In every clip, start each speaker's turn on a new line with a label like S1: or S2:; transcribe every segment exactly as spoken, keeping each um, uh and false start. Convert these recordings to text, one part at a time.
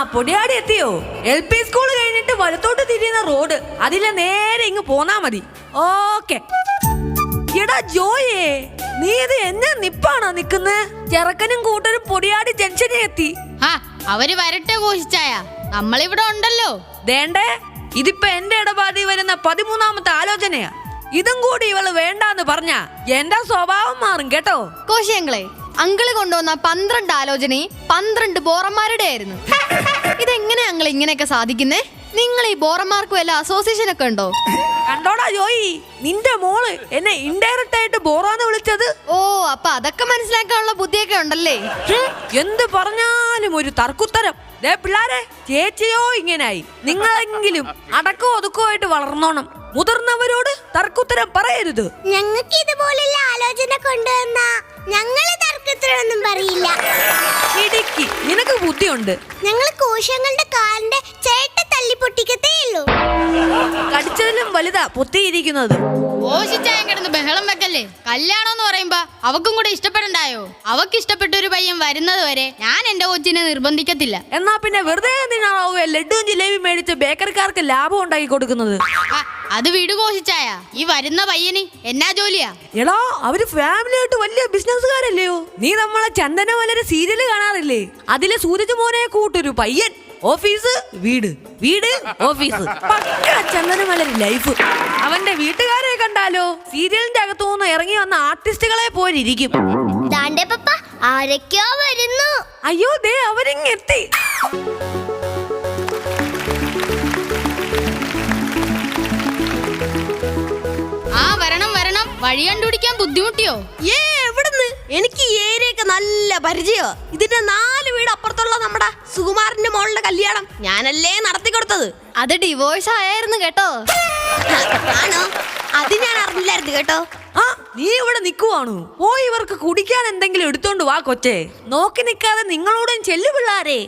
S1: പൊടിയാടി എത്തിയോ? L P school കഴിഞ്ഞിട്ട് വലത്തോട്ട് തിരിയുന്ന റോഡ്, അതിലെ നേരെ ഇങ്ങ് പോന്നാ മതി. ഓക്കെ. എടാ ജോയേ, നീ ഇത് എന്നെ നിപ്പാണോ നിക്കുന്നേ? ചെറുക്കനും കൂട്ടരും പൊടിയാടി ജംഗ്ഷനിൽ എത്തി.
S2: അവര് വരട്ടെ കോശിച്ചായ, നമ്മളിവിടെ ഉണ്ടല്ലോ.
S1: ദേണ്ടേ, ഇതിപ്പോ എന്റെ ഇടപാടി വരുന്ന പതിമൂന്നാമത്തെ ആലോചനയാ. ഇതും കൂടി ഇവള് വേണ്ടാന്ന് പറഞ്ഞ എന്റെ സ്വഭാവം മാറും കേട്ടോ.
S2: കോശിയങ്ങളെ, അങ്കിള് കൊണ്ടുവന്ന പന്ത്രണ്ട് ആലോചനയും പന്ത്രണ്ട് ബോറന്മാരുടെ ആയിരുന്നു. ഇതെങ്ങനെ അങ്കിൾ ഇങ്ങനെയൊക്കെ സാധിക്കുന്നേ? നിങ്ങൾ ഈ ബോറന്മാർക്ക് വല്ല അസോസിയേഷൻ ഒക്കെ ഉണ്ടോ?
S1: കണ്ടോടാ ജോയി, നിന്റെ മോള് എന്നെ ഇൻഡയറക്റ്റ് ആയിട്ട് ബോറാന്ന് വിളിച്ചത്.
S2: ഓ, അപ്പൊ അതൊക്കെ മനസ്സിലാക്കാനുള്ള ബുദ്ധിയൊക്കെ ഉണ്ടല്ലേ?
S1: എന്ത് പറഞ്ഞാലും ഒരു തർക്കുത്തരം. ദേ പിള്ളാരെ, ചേച്ചിയോ ഇങ്ങനായി, നിങ്ങളെങ്കിലും അടക്കോ ഒതുക്കോ ആയിട്ട് വളർന്നോണം. മുതിർന്നവരോട് തർക്കുത്തരം പറയരുത്.
S3: ഞങ്ങൾക്ക് ഇതുപോലുള്ള ആലോചന കൊണ്ടുവന്ന ഞങ്ങള് തർക്കുത്തരമൊന്നും പറയില്ല.
S1: ഇടുക്കി, നിനക്ക് ബുദ്ധിയുണ്ട്.
S3: ഞങ്ങൾ കോശങ്ങളുടെ കാലിന്റെ ചേട്ട തല്ലി പൊട്ടിക്കത്തേ ഉള്ളൂ.
S1: കടിച്ചതിലും വലുതാ പൊത്തിയിരിക്കുന്നത്.
S2: കോശിച്ചായ കിടന്ന് ബഹളം വെക്കല്ലേ. കല്യാണം എന്ന് പറയുമ്പോ അവക്കും കൂടെ ഇഷ്ടപ്പെടണ്ടായോ? അവക്ക് ഇഷ്ടപ്പെട്ട ഒരു പയ്യൻ വരുന്നത് വരെ ഞാൻ എന്റെ കൊച്ചിനെ നിർബന്ധിക്കത്തില്ല.
S1: എന്നാ പിന്നെ വെറുതെ എന്തിനാണോ ലഡുവും ജിലേബി മേടിച്ച് ബേക്കറിക്കാർക്ക് ലാഭം ഉണ്ടാക്കി കൊടുക്കുന്നത്?
S2: അത് വീട് കോശിച്ചായ. ഈ വരുന്ന പയ്യന് എന്നാ ജോലിയാ?
S1: എടാ, അവര് ഫാമിലി ആയിട്ട് വലിയ ബിസിനസ്സുകാരല്ലയോ? നീ നമ്മളെ ചന്ദനമലരെ സീരിയല് കാണാറില്ലേ? അതിലെ സൂരജ് മോനെ കൂട്ടൊരു പയ്യൻ. ഓഫീസ്, വീട്, വീട്, ഓഫീസ്. പക്ക ചന്ദനമലര് ലൈഫ്. അവന്റെ വീട്ടുകാരെ കണ്ടാലോ സീരിയലിന്റെ അകത്തുനിന്ന് ഇറങ്ങി വന്ന ആർട്ടിസ്റ്റുകളെ പോലെ ഇരിക്കും.
S3: ആരൊക്കെയോ വരുന്നു.
S1: അയ്യോ, ദേ അവരിങ്ങെത്തി.
S2: ആ വരണം വരണം. വഴി കണ്ടുപിടിക്കാൻ ബുദ്ധിമുട്ടിയോ?
S4: ഏ എവിടുന്ന്? എനിക്ക് ഈ ഏരിയൊക്കെ നല്ല പരിചയോ. ഇതിന്റെ നാല് വീട് അപ്പുറത്തുള്ള നമ്മുടെ സുകുമാരന്റെ മോളുടെ കല്യാണം ഞാനല്ലേ നടത്തി കൊടുത്തത്.
S2: അത് ഡിവോഴ്സ് ആയിരുന്നു കേട്ടോ.
S4: ആണോ? അത് ഞാൻ അറിഞ്ഞില്ലായിരുന്നു കേട്ടോ.
S1: ആ, നീ ഇവിടെ നിക്കുവാണോ? പോയി ഇവർക്ക് കുടിക്കാൻ എന്തെങ്കിലും എടുത്തോണ്ട് വാ കൊച്ചേ. നോക്കി നിക്കാതെ നിങ്ങളോടും ചെല്ലു പിള്ളാരെ.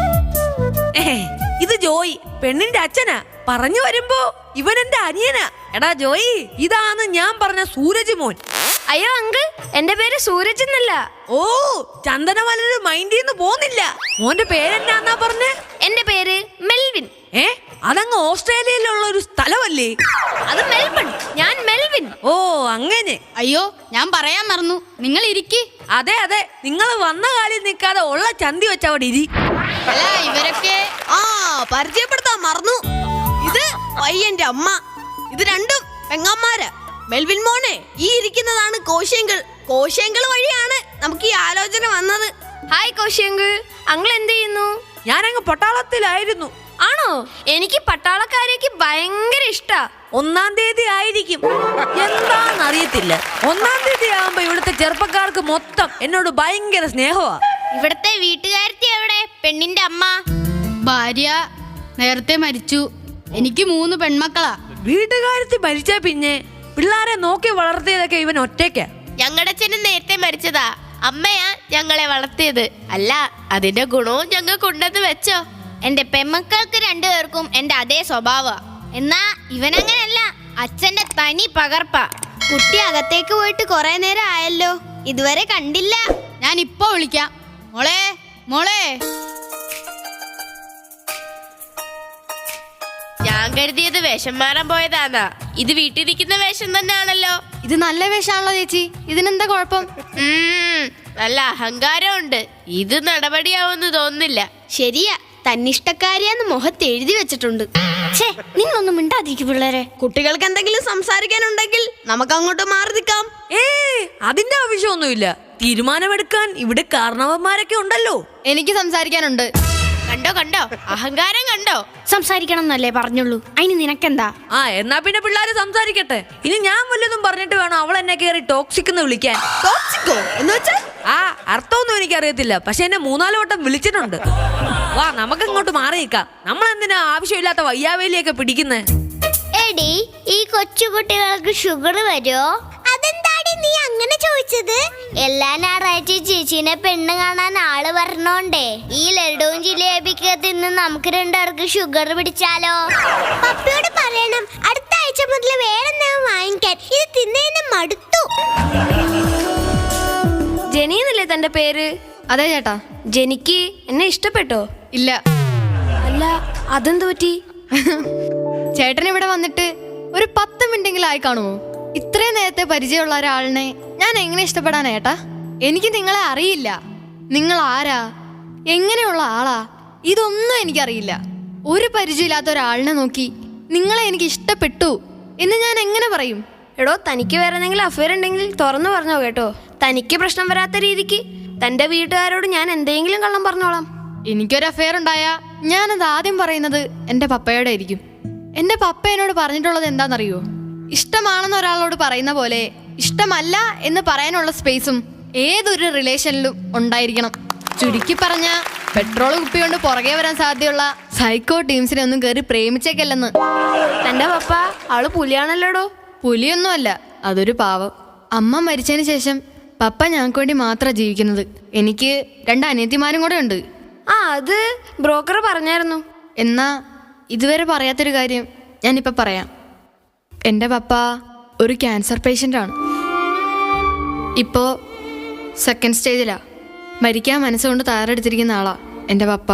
S1: ഇത് ജോയി, പെണ്ണിന്റെ അച്ഛനാ. പറഞ്ഞു വരുമ്പോ ഇവൻ എന്റെ അനിയനാ. എടാ ജോയി, ഇതാണ് ഞാൻ പറഞ്ഞ സൂരജ് മോൻ.
S3: അയ്യോ അങ്കിൾ, എന്റെ പേര് സൂരജ് എന്നല്ല.
S1: ഓ, ചന്ദനമലര് മൈൻഡിന്ന് പോന്നില്ല. മോന്റെ പേരെന്നാന്നാ പറഞ്ഞേ?
S3: എന്റെ പേര് മെൽവിൻ.
S1: ഏ, അതങ്ങ് ഓസ്ട്രേലിയയിലുള്ള ഒരു സ്ഥലമല്ലേ?
S3: അത് മെൽബൺ. ഞാൻ മെൽവിൻ.
S1: ഓ അങ്ങനെ.
S2: അയ്യോ, ഞാൻ പറയാൻ മറന്നു. നിങ്ങൾ ഇരിക്കി.
S1: അതെ അതെ, നിങ്ങൾ വന്ന കാലിൽ നിൽക്കാതെ ഉള്ള ചന്തി വെച്ച അവിടെ ഇരി.
S2: അല്ല, ഇവരൊക്കെ
S4: ആ പരിചയപ്പെടുത്താൻ മറന്നു. ഇത് പയ്യന്റെ അമ്മ. ഇത് രണ്ടും പെങ്ങന്മാര്. മെൽവിൻ മോനെ, ഈ ഇരിക്കുന്നതാണ് കോശിയങ്കിൾ. കോശിയങ്കിൾ വഴിയാണ് നമുക്ക് ഈ ആലോചന വന്നത്.
S3: ഹായ് കോശിയങ്കിൾ. അങ്കിൾ എന്ത് ചെയ്യുന്നു?
S1: ഞാനങ്ങ് പട്ടാളത്തിലായിരുന്നു.
S3: ആണോ? എനിക്ക് പട്ടാളക്കാരേക്ക് ഭയങ്കര ഇഷ്ടാ.
S1: ഒന്നാം തീയതി ആയിരിക്കും, എന്താന്നറിയത്തില്ല. ഒന്നാം തീയതി ആകുമ്പോ ഇവിടുത്തെ ചെറുപ്പക്കാർക്ക് മൊത്തം എന്നോട് ഭയങ്കര സ്നേഹമാ.
S3: ഇവിടത്തെ വീട്ടുകാരത്തി എവിടെ? പെണ്ണിന്റെ അമ്മ.
S2: ഭാര്യ നേരത്തെ മരിച്ചു. എനിക്ക് മൂന്ന് പെൺമക്കളാ.
S1: വീട്ടുകാരത്തി മരിച്ച പിന്നെ പിള്ളാരെ നോക്കി വളർത്തിയതൊക്കെ ഇവൻ ഒറ്റയ്ക്കാ.
S5: ഞങ്ങളുടെ അച്ഛനും നേരത്തെ മരിച്ചതാ. അമ്മയാ ഞങ്ങളെ വളർത്തിയത്. അല്ല, അതിന്റെ ഗുണവും ഞങ്ങൾക്ക് ഉണ്ടെന്ന് വെച്ചോ.
S3: എന്റെ പെമ്മക്കൾക്ക് രണ്ടുപേർക്കും എന്റെ അതേ സ്വഭാവ. എന്നാ ഇവനങ്ങനല്ല, അച്ഛന്റെ തനി പകർപ്പ. കുട്ടി അകത്തേക്ക് പോയിട്ട് കുറെ നേരം ആയല്ലോ, ഇതുവരെ കണ്ടില്ല.
S2: ഞാൻ ഇപ്പൊ വിളിക്കാം. മോളെ, മോളെ.
S5: ഞാൻ കരുതിയത് വേഷം മാറാൻ പോയതാന്നാ. ഇത് വീട്ടിലിരിക്കുന്ന വേഷം തന്നെയാണല്ലോ.
S2: ഇത് നല്ല വേഷാണല്ലോ ചേച്ചി. ഇതിനെന്താ കുഴപ്പം?
S5: നല്ല അഹങ്കാരമുണ്ട്. ഇത് നടപടിയാവുമെന്ന് തോന്നുന്നില്ല.
S3: ശരിയാ, തന്നിഷ്ടക്കാരിയാന്ന് മുഖത്ത് എഴുതി വെച്ചിട്ടുണ്ട്. നിന്നൊന്നും മിണ്ടാതിരിക്കും പിള്ളേരെ.
S4: കുട്ടികൾക്ക് എന്തെങ്കിലും സംസാരിക്കാനുണ്ടെങ്കിൽ നമുക്ക് അങ്ങോട്ട് മാറി നിൽക്കാം.
S1: ഏ, അതിന്റെ ആവശ്യമൊന്നുമില്ല. തീരുമാനമെടുക്കാൻ ഇവിടെ കാരണവന്മാരൊക്കെ ഉണ്ടല്ലോ.
S2: എനിക്ക് സംസാരിക്കാനുണ്ട്.
S5: കണ്ടോ കണ്ടോ, അഹങ്കാരം കണ്ടോ.
S3: സംസാരിക്കണം എന്നല്ലേ പറഞ്ഞുള്ളൂ, അതിന് നിനക്കെന്താ?
S1: ആ, എന്നാ പിന്നെ പിള്ളേര് സംസാരിക്കട്ടെ. ഇനി ഞാൻ വല്ലതും പറഞ്ഞിട്ട് വേണം അവൾ എന്നെ കയറി ടോക്സിക് എന്ന് വിളിക്കാൻ.
S4: ടോക്സിക്കോ എന്ന് വെച്ചാൽ?
S1: ആ, അർത്ഥമൊന്നും എനിക്കറിയത്തില്ല, പക്ഷെ എന്നെ മൂന്നാല് വട്ടം വിളിച്ചിട്ടുണ്ട്. വാ, നമുക്ക് ഇങ്ങോട്ട് മാറി നിൽക്കാം. നമ്മൾ എന്തിനാ ആവശ്യമില്ലാത്ത വയ്യാവേലിയൊക്കെ പിടിക്കുന്നേ?
S3: എടി, ഈ കൊച്ചുകുട്ടികൾക്ക് ഷുഗർ വരുമോ? അതെന്താടി നീ അങ്ങനെ ചോദിച്ചത്? എല്ലാ ഞായറാഴ്ച ചേച്ചീനെ പെണ്ണ് കാണാൻ ആള് വരണോണ്ടേ ഈ ലഡുവും ജിലേബിക്ക് തിന്ന് നമുക്ക് രണ്ടുപേർക്ക് ഷുഗർ പിടിച്ചാലോ? പപ്പയോട് പറയണം അടുത്ത ആഴ്ച മുതൽ വേറെ വാങ്ങിക്കാൻ. ഇത് തിന്നേന്ന് മടുത്തു. ജെനി എന്നല്ലേ തന്റെ പേര്?
S2: അതെ ചേട്ടാ.
S3: ജെനിക്ക് എന്നെ ഇഷ്ടപ്പെട്ടോ?
S2: ഇല്ല.
S4: അല്ല അതെന്ത് പറ്റി?
S2: ചേട്ടൻ ഇവിടെ വന്നിട്ട് ഒരു പത്ത് മിനിറ്റെങ്കിലും ആയി കാണുമോ? ഇത്രയും നേരത്തെ പരിചയമുള്ള ഒരാളിനെ ഞാൻ എങ്ങനെ ഇഷ്ടപ്പെടാൻ ഏട്ടാ? എനിക്ക് നിങ്ങളെ അറിയില്ല. നിങ്ങൾ ആരാ, എങ്ങനെയുള്ള ആളാ, ഇതൊന്നും എനിക്കറിയില്ല. ഒരു പരിചയമില്ലാത്ത ഒരാളിനെ നോക്കി നിങ്ങളെ എനിക്ക് ഇഷ്ടപ്പെട്ടു എന്ന് ഞാൻ എങ്ങനെ പറയും?
S4: എടോ, തനിക്ക് വേറെ എന്തെങ്കിലും അഫയർ ഉണ്ടെങ്കിൽ തുറന്നു പറഞ്ഞോ കേട്ടോ. തനിക്ക് പ്രശ്നം വരാത്ത രീതിക്ക് തന്റെ വീട്ടുകാരോട് ഞാൻ എന്തെങ്കിലും കള്ളം പറഞ്ഞോളാം.
S2: എനിക്കൊരു അഫയർ ഉണ്ടായ ഞാനത് ആദ്യം പറയുന്നത് എൻ്റെ പപ്പയോടെ ആയിരിക്കും. എൻ്റെ പപ്പ എന്നോട് പറഞ്ഞിട്ടുള്ളത് എന്താണെന്നറിയോ? ഇഷ്ടമാണെന്ന് ഒരാളോട് പറയുന്ന പോലെ ഇഷ്ടമല്ല എന്ന് പറയാനുള്ള സ്പേസും ഏതൊരു റിലേഷനിലും ഉണ്ടായിരിക്കണം. ചുരുക്കി പറഞ്ഞ പെട്രോൾ കുപ്പി കൊണ്ട് പുറകെ വരാൻ സാധ്യതയുള്ള സൈക്കോ ടീംസിനെ ഒന്നും കയറി പ്രേമിച്ചേക്കല്ലെന്ന്.
S4: തന്റെ പപ്പ ആള് പുലിയാണല്ലോടോ.
S2: പുലിയൊന്നുമല്ല, അതൊരു പാവം. അമ്മ മരിച്ചതിന് ശേഷം പപ്പ ഞങ്ങൾക്ക് വേണ്ടി മാത്രമാണ് ജീവിക്കുന്നത്. എനിക്ക് രണ്ട് അനിയത്തിമാരും കൂടെ ഉണ്ട്.
S4: ആ, അത് ബ്രോക്കർ പറഞ്ഞായിരുന്നു.
S2: എന്നാ ഇതുവരെ പറയാത്തൊരു കാര്യം ഞാനിപ്പോൾ പറയാം. എൻ്റെ പപ്പ ഒരു ക്യാൻസർ പേഷ്യൻ്റാണ്. ഇപ്പോൾ സെക്കൻഡ് സ്റ്റേജിലാണ്. മരിക്കാൻ മനസ്സുകൊണ്ട് തയ്യാറെടുത്തിരിക്കുന്ന ആളാ എൻ്റെ പപ്പ.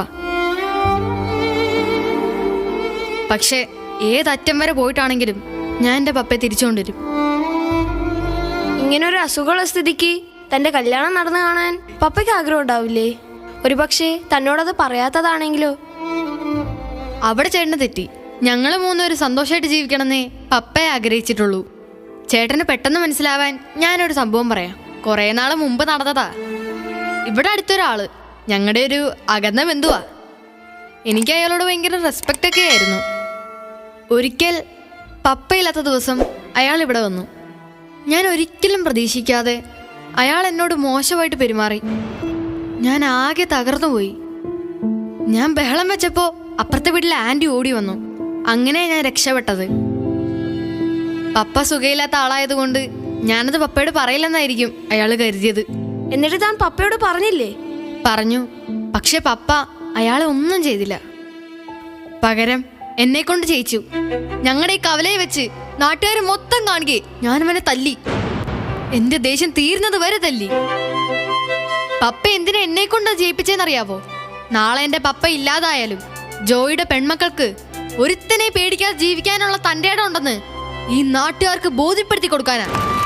S2: പക്ഷേ ഏതറ്റം വരെ പോയിട്ടാണെങ്കിലും ഞാൻ എൻ്റെ പപ്പയെ തിരിച്ചുകൊണ്ടുവരും.
S4: ഇങ്ങനൊരു അസുഖമുള്ള സ്ഥിതിക്ക് തന്റെ കല്യാണം നടന്നു കാണാൻ പപ്പയ്ക്ക് ആഗ്രഹം ഉണ്ടാവില്ലേ? ഒരു പക്ഷേ തന്നോടത് പറയാത്തതാണെങ്കിലോ?
S2: അവിടെ ചേട്ടന് തെറ്റി. ഞങ്ങൾ മൂന്നുപേര് സന്തോഷമായിട്ട് ജീവിക്കണമെന്നേ പപ്പയെ ആഗ്രഹിച്ചിട്ടുള്ളൂ. ചേട്ടന് പെട്ടെന്ന് മനസ്സിലാവാൻ ഞാനൊരു സംഭവം പറയാം. കുറേ നാൾ മുമ്പ് നടന്നതാ. ഇവിടെ അടുത്തൊരാള് ഞങ്ങളുടെ ഒരു അകന്ന ബന്ധുവാ. എനിക്ക് അയാളോട് ഭയങ്കര റെസ്പെക്റ്റ് ഒക്കെ ആയിരുന്നു. ഒരിക്കൽ പപ്പയില്ലാത്ത ദിവസം അയാൾ ഇവിടെ വന്നു. ഞാൻ ഒരിക്കലും പ്രതീക്ഷിക്കാതെ അയാൾ എന്നോട് മോശമായിട്ട് പെരുമാറി. ഞാൻ ആകെ തകർന്നു പോയി. ഞാൻ ബഹളം വെച്ചപ്പോൾ അപ്പുറത്തെ വീട്ടിലെ ആൻറ്റി ഓടി വന്നു. അങ്ങനെ ഞാൻ രക്ഷപ്പെട്ടത്. പപ്പ സുഖയില്ലാത്ത ആളായതുകൊണ്ട് ഞാനത് പപ്പയോട് പറയില്ലെന്നായിരിക്കും അയാൾ കരുതിയത്.
S4: എന്നിട്ട് താൻ പപ്പയോട് പറഞ്ഞില്ലേ?
S2: പറഞ്ഞു. പക്ഷെ പപ്പ അയാളെ ഒന്നും ചെയ്തില്ല. പകരം എന്നെ കൊണ്ട് ചെയ്യിച്ചു. ഞങ്ങളുടെ ഈ കവലയെ വെച്ച് നാട്ടുകാർ മൊത്തം കാണുകയെ ഞാൻ അവനെ തല്ലി. എന്റെ ദേഷ്യം തീർന്നത് വരെ തല്ലി. പപ്പ എന്തിനാ എന്നെ കൊണ്ട് ജയിപ്പിച്ചെന്നറിയാവോ? നാളെ എന്റെ പപ്പ ഇല്ലാതായാലും ജോയിയുടെ പെൺമക്കൾക്ക് ഒരുത്തനെ പേടിക്കാതെ ജീവിക്കാനുള്ള തന്റെ ഇടം ഉണ്ടെന്ന് ഈ നാട്ടുകാർക്ക് ബോധ്യപ്പെടുത്തി കൊടുക്കാനാ.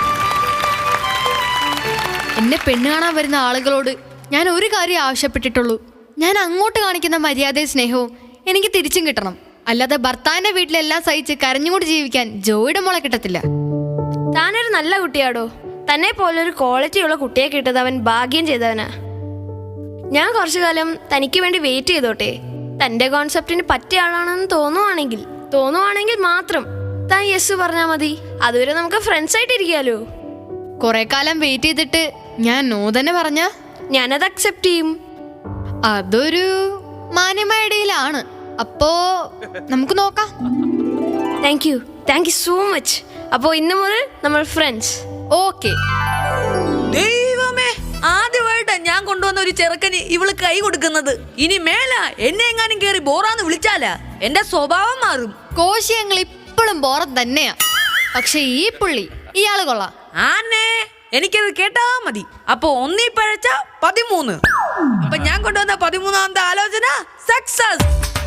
S2: എന്നെ പെണ്ണ് കാണാൻ വരുന്ന ആളുകളോട് ഞാൻ ഒരു കാര്യം ആവശ്യപ്പെട്ടിട്ടുള്ളൂ. ഞാൻ അങ്ങോട്ട് കാണിക്കുന്ന മര്യാദയും സ്നേഹവും എനിക്ക് തിരിച്ചും കിട്ടണം. അല്ലാതെ ഭർത്താവിന്റെ വീട്ടിലെല്ലാം സഹിച്ച് കരഞ്ഞുകൊണ്ട് ജീവിക്കാൻ ജോയിയുടെ മോളെ കിട്ടത്തില്ല.
S4: താനൊരു നല്ല കുട്ടിയാടോ. തന്നെ പോലൊരു ക്വാളിറ്റിയുള്ള കുട്ടിയെ കിട്ടത് അവൻ ഭാഗ്യം ചെയ്തവനാ. ഞാൻ കുറച്ചു കാലം തനിക്ക് വേണ്ടി വെയിറ്റ് ചെയ്തോട്ടെ. തന്റെ കോൺസെപ്റ്റിന് പറ്റിയ ആളാണെന്ന് തോന്നുവാണെങ്കിൽ തോന്നുവാണെങ്കിൽ മാത്രം താൻ യെസ് പറഞ്ഞാൽ മതി. അതുവരെ നമുക്ക് ഫ്രണ്ട്സ് ആയിട്ട് ഇരിക്കാലോ.
S2: കുറെ കാലം വെയിറ്റ് ചെയ്തിട്ട് ഞാൻ നോ തന്നെ പറഞ്ഞ
S4: ഞാനത് അക്സെപ്റ്റ് ചെയ്യും.
S2: അതൊരു മാന്യമായ ഇടയിലാണ്. അപ്പോ നമുക്ക് നോക്കാം.
S4: Thank you thank you so much. അപ്പോ ഇന്നു മുതൽ നമ്മൾ ഫ്രണ്ട്സ്.
S2: ഓക്കെ.
S1: ദൈവമേ, ആദ്യമായിട്ടാ ഞാൻ കൊണ്ടുവന്ന ഒരു ചെറുക്കന് ഇവള് കൈ കൊടുക്കുന്നത്. ഇനി മേല എന്നെ എങ്ങാനും കേറി ബോറാന്ന് വിളിച്ചാലാ എന്റെ സ്വഭാവം മാറും.
S2: കോശി ഞങ്ങൾ ഇപ്പോഴും ബോറം തന്നെയാ. പക്ഷെ ഈ പുള്ളി ഇയാള് കൊള്ളാം.
S1: ആന്നേ, എനിക്കത് കേട്ടാ മതി. അപ്പൊ ഒന്നീ പഴച്ച പതിമൂന്ന്. അപ്പൊ ഞാൻ കൊണ്ടുവന്ന പതിമൂന്നാമത്തെ ആലോചന സക്സസ്.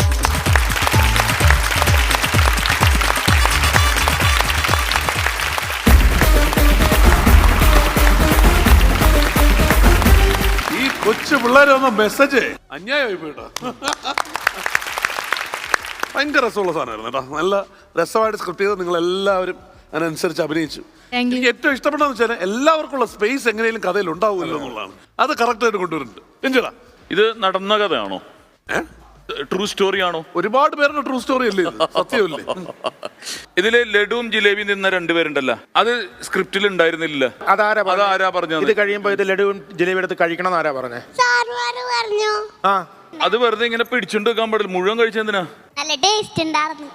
S6: ഈ കൊച്ചു പിള്ളേരെ ഒന്ന് മെസ്സേജ് അന്യായമായി പോയിട്ടോ. ഭയങ്കര രസമുള്ള സാധനമായിരുന്നു കേട്ടോ. നല്ല രസമായിട്ട് സ്ക്രിപ്റ്റ് ചെയ്ത് നിങ്ങൾ എല്ലാവരും അതിനനുസരിച്ച് അഭിനയിച്ചു. എനിക്ക് ഏറ്റവും ഇഷ്ടപ്പെട്ടെന്ന് വെച്ചാൽ എല്ലാവർക്കും ഉള്ള സ്പേസ് എങ്ങനെയും കഥയിൽ ഉണ്ടാവുമല്ലോ എന്നുള്ളതാണ്. അത് കറക്റ്റ് ആയിട്ട് കൊണ്ടുവരുന്നുണ്ട്. എഞ്ചടാ,
S7: ഇത് നടന്ന കഥയാണോ? ട്രൂ സ്റ്റോറി ആണോ?
S6: ഒരുപാട് പേരുടെ ട്രൂ സ്റ്റോറി അല്ലേ ഇത്? സത്യമല്ലേ?
S7: ഇതില് ലഡുവും ജിലേബിയും നിന്ന രണ്ടുപേരുണ്ടല്ലോ, അത് സ്ക്രിപ്റ്റിൽ ഉണ്ടായിരുന്നില്ല.
S8: അതാരാ പറഞ്ഞത്?
S7: അതാരാ പറഞ്ഞത്?
S8: ഇത് കഴിയുമ്പോ ഇത് ലഡുവും ജിലേബി എടുത്ത് കഴിക്കണം എന്നാരാ പറഞ്ഞേ?
S3: സാറുമാര് പറഞ്ഞു.
S8: ആ,
S7: അത് വെറുതെ ഇങ്ങനെ പിടിച്ചോണ്ട് വെക്കാൻ പാടില്ല. മുഴുവൻ കഴിച്ചെന്തിനാ?
S3: നല്ല ടേസ്റ്റ് ഉണ്ടായിരുന്നു.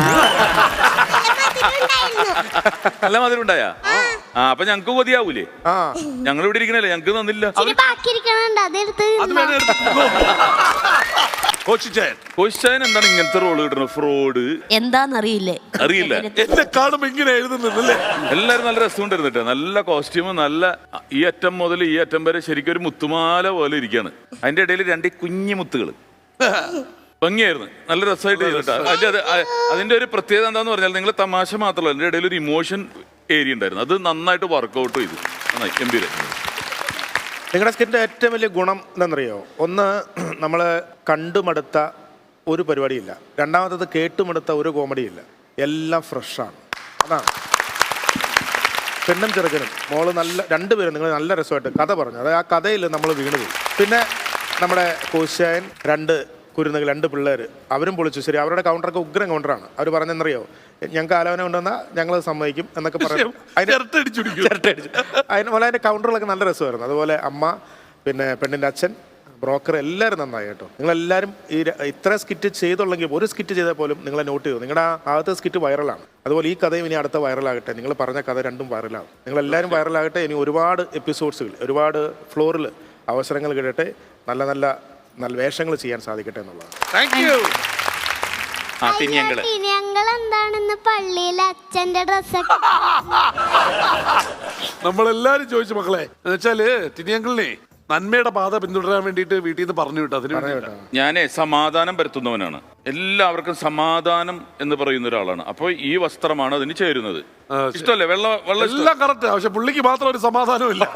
S7: നല്ല മധുരം ഉണ്ടായാ? ആ, അപ്പൊ ഞങ്ങക്ക് കൊതിയാവൂലേ?
S8: ആ,
S7: ഞങ്ങൾ ഇവിടെ ഇരിക്കണല്ലേ, ഞങ്ങക്ക് തന്നില്ല.
S3: ബാക്കിയിരിക്കണുണ്ട്, അതെടുത്ത്
S6: അത് വേണേ എടുത്തോ. കോച്ചിച്ചായൻ
S7: കോശിച്ചായൻ എന്താണ് ഇങ്ങനത്തെ റോള് കിട്ടുന്നത്? ഫ്രോഡ്
S1: എന്താന്നറിയില്ലേ?
S7: അറിയില്ല.
S6: എന്നെ കാണുമ്പോ ഇങ്ങനെ എഴുതുന്നല്ലേ?
S7: എല്ലാരും നല്ല രസമുണ്ടായിരുന്നു കേട്ടോ. നല്ല കോസ്റ്റ്യൂമും നല്ല, ഈ അറ്റം മുതൽ ഈ അറ്റം വരെ ശരിക്കും ഒരു മുത്തുമാല പോലെ ഇരിക്കുകയാണ്. അതിന്റെ ഇടയിൽ രണ്ട് കുഞ്ഞു മുത്തുകൾ. ഭംഗിയായിരുന്നു, നല്ല രസമായിട്ട് ചെയ്തിട്ടാ. അതിന്റെ അത് അ- അതിന്റെ ഒരു പ്രത്യേകത എന്താന്ന് പറഞ്ഞാൽ നിങ്ങൾ തമാശ മാത്രമല്ല, അതിന്റെ ഇടയിൽ ഒരു ഇമോഷൻ ഏരിയ ഉണ്ടായിരുന്നു. അത് നന്നായിട്ട് വർക്കൗട്ട് ചെയ്തു, നന്നായി ഗംഭീര.
S8: നിങ്ങളുടെ സ്കിറ്റിന്റെ ഏറ്റവും വലിയ ഗുണം എന്താണെന്നറിയോ? ഒന്ന്, നമ്മൾ കണ്ടുമടുത്ത ഒരു പരിപാടിയില്ല. രണ്ടാമത്തത് കേട്ടുമടുത്ത ഒരു കോമഡിയില്ല. എല്ലാം ഫ്രഷാണ്. അതാണ് പെണ്ണും ചെറുക്കനും മോള് നല്ല രണ്ടുപേരും നിങ്ങൾ നല്ല രസമായിട്ട് കഥ പറഞ്ഞു. അതായത് ആ കഥയിൽ നമ്മൾ വീണുപോയി. പിന്നെ നമ്മുടെ കോശായൻ, രണ്ട് കുരുന്നുകൾ, രണ്ട് പിള്ളേർ, അവരും പൊളിച്ചു. ശരി, അവരുടെ കൗണ്ടറൊക്കെ ഉഗ്രം കൗണ്ടറാണ്. അവർ പറഞ്ഞെന്നറിയോ, ഞങ്ങൾക്ക് ആലോചന കൊണ്ടുവന്നാൽ ഞങ്ങൾ സമ്മതിക്കും എന്നൊക്കെ പറയും. അതിന് അതിന് പോലെ അതിൻ്റെ കൗണ്ടറുകളൊക്കെ നല്ല രസമായിരുന്നു. അതുപോലെ അമ്മ, പിന്നെ പെണ്ണിൻ്റെ അച്ഛൻ, ബ്രോക്കർ, എല്ലാവരും നന്നായി കേട്ടോ. നിങ്ങളെല്ലാവരും ഈ ര- ഇത്ര സ്കിറ്റ് ചെയ്തുള്ളെങ്കിൽ ഒരു സ്കിറ്റ് ചെയ്താൽ പോലും നിങ്ങളെ നോട്ട് ചെയ്തു. നിങ്ങളുടെ ആ ആദ്യത്തെ സ്കിറ്റ് വൈറലാണ്. അതുപോലെ ഈ കഥയും ഇനി അടുത്ത വൈറലാകട്ടെ. നിങ്ങൾ പറഞ്ഞ കഥ രണ്ടും വൈറലാകും. നിങ്ങളെല്ലാവരും വൈറലാകട്ടെ. ഇനി ഒരുപാട് എപ്പിസോഡ്സുകൾ, ഒരുപാട് ഫ്ലോറിൽ അവസരങ്ങൾ കിട്ടട്ടെ. നല്ല നല്ല നല്ല വേഷങ്ങൾ ചെയ്യാൻ സാധിക്കട്ടെ എന്നുള്ളതാണ്.
S6: Thank you.
S7: ആ തിരിയങ്ങള്
S3: ഞങ്ങൾ എന്താണെന്ന് പള്ളിയിൽ അച്ഛന്റെ ഡ്രസ്സൊക്കെ
S6: നമ്മളെല്ലാരും ചോദിച്ചു മക്കളെ, എന്ന് വെച്ചാല് തിരിയങ്കളിനെ നന്മയുടെ പാത പിന്തുടരാൻ വേണ്ടിയിട്ട് വീട്ടിൽ നിന്ന് പറഞ്ഞു വിട്ടു. അതിന് വേണ്ടിയിട്ടാ.
S7: ഞാനേ സമാധാനം പരത്തുന്നവനാണ്. എല്ലാവർക്കും സമാധാനം എന്ന് പറയുന്ന ഒരാളാണ്. അപ്പോൾ ഈ വസ്ത്രമാണ് അതിന് ചേരുന്നത്. ഇഷ്ടമല്ലേ? വെള്ള വെള്ള ഇഷ്ടം?
S6: എല്ലാം കറക്റ്റ്. പക്ഷെ പുള്ളിക്ക് മാത്രം ഒരു സമാധാനവും ഇല്ല.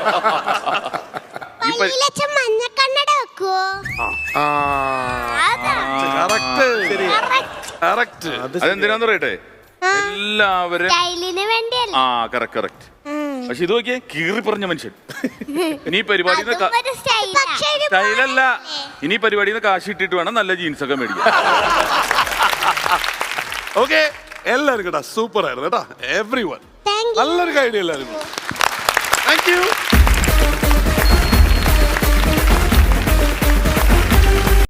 S3: പള്ളിയിൽ അച്ഛൻ മഞ്ഞക്കണ്ണട വെക്കുവോ?
S8: ആ
S6: കറക്റ്റ് കറക്റ്റ്.
S7: അതെന്തിനാന്ന് പറയട്ടെ, എല്ലാവരും
S3: സ്റ്റൈലിന് വേണ്ടിയല്ല.
S7: ആ കറക്റ്റ് കറക്റ്റ്. പക്ഷെ ഇത് നോക്കിയേ, കീറി പറഞ്ഞ മനുഷ്യൻ. ഇനി പരിപാടി
S3: ഒരു സ്റ്റൈൽ. പക്ഷേ ഒരു
S7: സ്റ്റൈലല്ല, ഇനി പരിപാടിയിൽ നിന്ന് കാശ് ഇട്ടിട്ട് വേണം നല്ല ജീൻസ് ഒക്കെ മേടിക്കാൻ.
S6: ഓക്കെ, എല്ലാവരും കേട്ടാ സൂപ്പർ ആയിരുന്നു കേട്ടാ. Everyone
S3: Thank you.
S6: നല്ലൊരു ഐഡിയ എല്ലാവരും. Thank U.